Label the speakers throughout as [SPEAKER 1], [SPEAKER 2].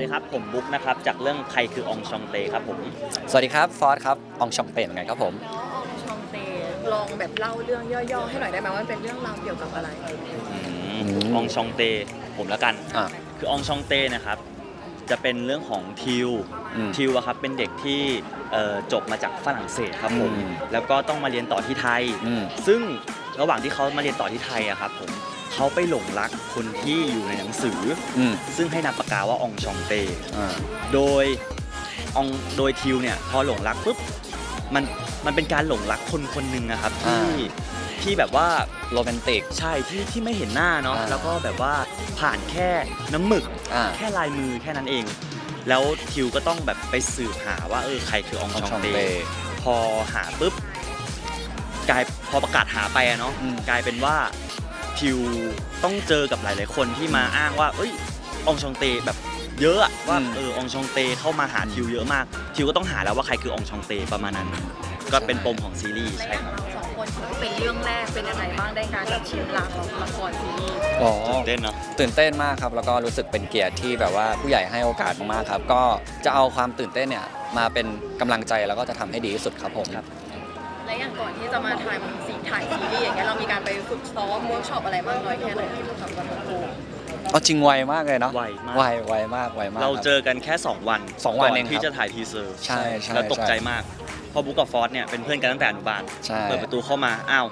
[SPEAKER 1] ครับผมบุ๊กนะครับจากเรื่องใครคือองชองเตครับผม
[SPEAKER 2] สวัสดีครับฟอสครับอองชองเปนเหมือนกันครับผม
[SPEAKER 3] ชองเตลองแบบเล่าเรื่องย่อๆให้หน่อยได้ไหมว่ามันเป็นเรื่องราวเกี่ยวกับอะไร
[SPEAKER 1] องชองเตผมแล้วกันคือองชองเตนะครับจะเป็นเรื่องของทิวอะครับเป็นเด็กที่จบมาจากฝรั่งเศสครับผมแล้วก็ต้องมาเรียนต่อที่ไทยซึ่งระหว่างที่เขามาเรียนต่อที่ไทยอะครับผมเขาไปหลงรักคนที่อยู่ในหนังสือซึ่งให้นามปากกาว่าองชองเตโดยทิวเนี่ยพอหลงรักปุ๊บมันเป็นการหลงรักคนคนหนึ่งนะครับที่แบบว่า
[SPEAKER 2] โรแมนติก
[SPEAKER 1] ใช่ที่ไม่เห็นหน้าเนาะแล้วก็แบบว่าผ่านแค่น้ำหมึกแค่ลายมือแค่นั้นเองแล้วทิวก็ต้องแบบไปสืบหาว่าใครคือองชองเตพอหาปุ๊บพอประกาศหาไปเนาะกลายเป็นว่าทิวต้องเจอกับหลายๆคนที่มาอ้างว่าองชองเตแบบเยอะว่าองชองเตเข้ามาหาทิวเยอะมากทิวก็ต้องหาแล้วว่าใครคือองชองเตประมาณนั้นก็เป็นปมของซีรีส์ใช่ครับ
[SPEAKER 3] สองคนถือว่าเป็นเรื่องแรกเป็นยังไงบ้างได้การแบบชิมลางของละครซีรีส์
[SPEAKER 1] ตื่นเต้นเนาะ
[SPEAKER 2] ตื่นเต้นมากครับแล้วก็รู้สึกเป็นเกียรติที่แบบว่าผู้ใหญ่ให้โอกาสมากๆครับก็จะเอาความตื่นเต้นเนี่ยมาเป็นกำลังใจแล้วก็จะทำให้ดีที่สุดครับผม
[SPEAKER 3] และอย่างก่อนที่จะมาถ่ายซีรีส์อย่างเงี้ยเรามีการไปฝึกซ้อมเวิร์กช็อปอะไรมากน้อยแค่ไหนกับวันโก
[SPEAKER 2] เอาจริงไวมากเลยเนาะ
[SPEAKER 1] ไวมาก
[SPEAKER 2] ไวมาก
[SPEAKER 1] เราเจอกันแค่2 วัน
[SPEAKER 2] เอง
[SPEAKER 1] ที่จะถ่ายทีเซอร์
[SPEAKER 2] ใช่
[SPEAKER 1] แล้วตกใจมากพอบุ๊กกับฟอสเนี่ยเป็นเพื่อนกันตั้งแต่อนุบาลเปิดประตูเข้ามาอ้าว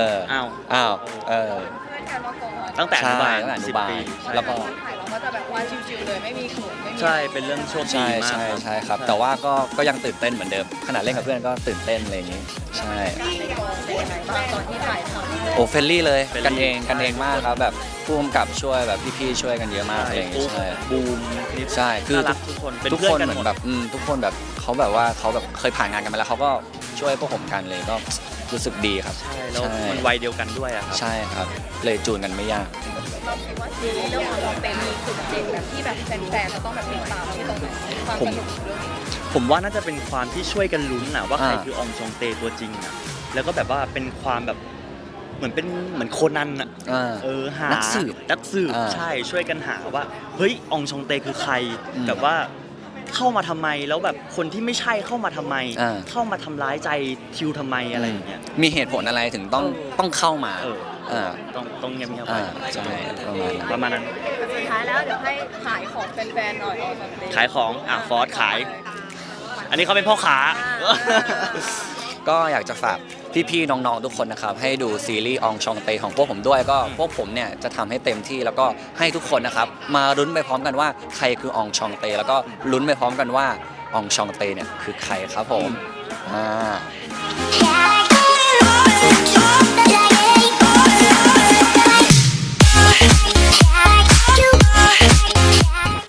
[SPEAKER 1] ตั้งแต่อนุบาล10 ปี
[SPEAKER 2] แล้วก็
[SPEAKER 3] ถ่ายเราก็จะแบบว่าชิวๆเลยไม่มีขนไม่มี
[SPEAKER 1] ใช่เป็นเรื่องโชคดีมาก
[SPEAKER 2] ใช่ครับแต่ว่าก็ยังตื่นเต้นเหมือนเดิมขนาดเล่นกับเพื่อนก็ตื่นเต้นอะไรอย่างนี้ใช่
[SPEAKER 3] ในกองเป็นยังไงบ้างตอนที่ถ่ายทำ
[SPEAKER 2] โอ้เฟรนลี่เลยกันเองมากครับแบบผู้กำกับช่วยแบบพี่ๆช่วยกันเยอะมากอะไรอย่างนี้ใช่
[SPEAKER 1] บูม
[SPEAKER 2] ใช่คือ
[SPEAKER 1] ทุกคน
[SPEAKER 2] เหมือนแบบทุกคนแบบเขาแบบว่าเขาแบบเคยผ่านงานกันมาแล้วเขาก็ช่วยพวกผมกันเลยก็รู้สึกดีครับ
[SPEAKER 1] ใช่แล้วมันวัยเดียวกันด้วยครับ
[SPEAKER 2] ใช่ครับเลยจูนกันไม่ยาก
[SPEAKER 3] เราคิดว่าซีรีส์เรื่องของเราเป็นมีจุดเด่นแบบที่แบบแฟนๆจะต้องแบบติดตามที่ตรงไหนความสนุกเรื่องนี้
[SPEAKER 1] ผมว่าน่าจะเป็นความที่ช่วยกันลุ้นนะว่าใครคือองชองเตตัวจริงนะแล้วก็แบบว่าเป็นความแบบเหมือนโคนันอะหานักสืบใช่ช่วยกันหาว่าเฮ้ยองชองเตคือใครแบบว่าเข้ามาทำไมแล้วแบบคนที่ไม่ใช่เข้ามาทำไมเข้ามาทำร้ายใจทิวทำไมอะไรอย่างเงี้ย
[SPEAKER 2] มีเหตุผลอะไรถึงต้องเข้ามา
[SPEAKER 1] ต้องเงียบๆไป
[SPEAKER 2] ใช่
[SPEAKER 1] ประมาณนั้น
[SPEAKER 3] สุดท้ายแล้วเดี๋ยวให้ขายของแฟนๆหน่อย
[SPEAKER 1] ขายของฟอสขายอันนี้เขาเป็นพ่อค้า
[SPEAKER 2] ก็อยากจะฝากพี่ๆน้องๆทุกคนนะครับให้ดูซีรีส์องชองเตของพวกผมด้วยก็พวกผมเนี่ยจะทำให้เต็มที่แล้วก็ให้ทุกคนนะครับมาลุ้นไปพร้อมกันว่าใครคือองชองเตแล้วก็ลุ้นไปพร้อมกันว่าองชองเตเนี่ยคือใครครับผม